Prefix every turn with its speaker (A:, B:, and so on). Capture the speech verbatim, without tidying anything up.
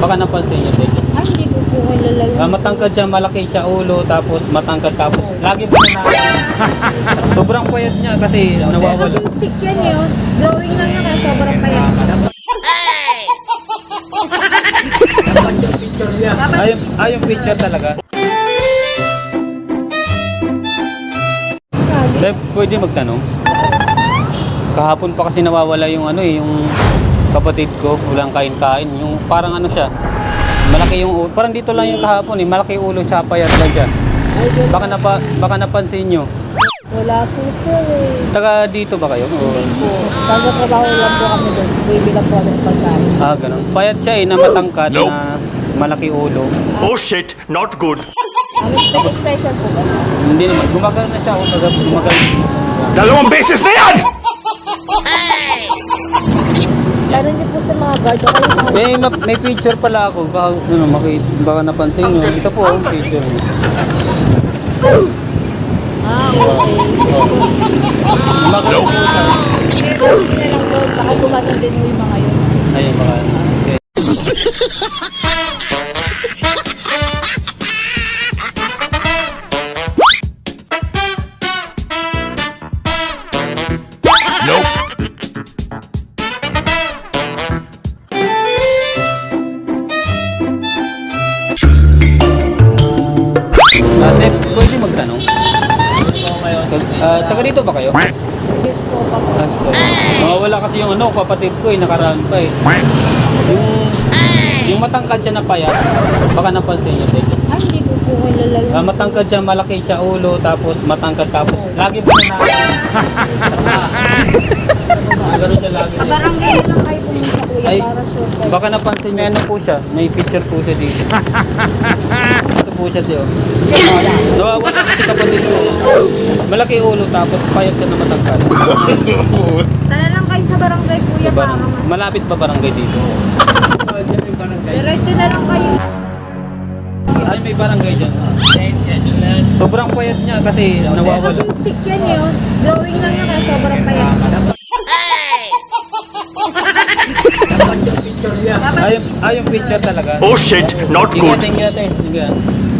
A: Baka napansin niyo din.
B: Ay, hindi ko po kilala yun.
A: Ah, matangkad siya, malaki siya ulo, tapos matangkad, tapos lagi po na sobrang payat niya kasi nawawala.
B: Kasi stick yan eh. oh. Drawing lang niya kaya sobrang payat.
A: Ay, ay, yung picture talaga. Dahil pwede magtanong. Kahapon pa kasi nawawala yung ano eh, yung kapatid ko, walang kain-kain. Yung parang ano siya, malaki yung ulo. Parang dito lang yung kahapon eh, malaki yung ulo, tsaka payat lang siya. Baka, napa, baka napansin nyo.
B: Wala po sir eh.
A: Taga dito ba kayo? O,
B: Hindi po. Taga-trabaho lang po kami doon. Bibilang po kami ng pagkain.
A: ah, ganun. Payat siya eh, na matangkad, na malaki ulo.
C: Oh shit, not good.
B: Ang special, special po ba?
A: Hindi naman, gumagal na siya. Gumagal, gumagal.
C: Dalawang beses na yan!
B: Laro niyo po sa mga guard. Okay, mga
A: May, ma- may picture pala ako. Baka, ano, maki, baka napansin nyo. Ito po ang picture niya.
B: Ah, okay.
A: Gumagal po siya.
B: Hindi na lang doon. Baka gumagal din mo yung mga yun.
A: Ayun, baka. Okay. Ate, pwede magtanong? Ah, taga dito ba kayo?
B: Yes po, papa.
A: As, mawawala kasi yung ano, kapatid ko eh, nakaraan pa eh. Yung, yung matangkad siya na payat, baka napansin niyo din.
B: Ay, hindi ko po kilala yun.
A: Ah, matangkad siya, malaki siya ulo, tapos matangkad, tapos lagi po na ah, ganun siya lagi.
B: Barangay lang kayo pumunta kuya
A: Ay,
B: para sure kayo.
A: baka napansin niyo, ano po siya, may picture po siya dito. Ito po siya dito. Nawawala kasi kapatid ko. Malaki ulo, tapos payat siya na matangkad.
B: Tala lang kayo sa barangay kuya
A: Sa
B: para
A: barang,
B: mas.
A: malapit pa barangay dito.
B: Diretso na lang kayo.
A: Ay, may barangay dyan. Sobrang payat niya kasi nawawala.
B: Kasi stick yan eh. oh. Drawing lang niya kaya sobrang payat.
A: Ay, ay, yung picture talaga.
C: Oh shit, not good.
A: Ingat, ingat eh. Ingat.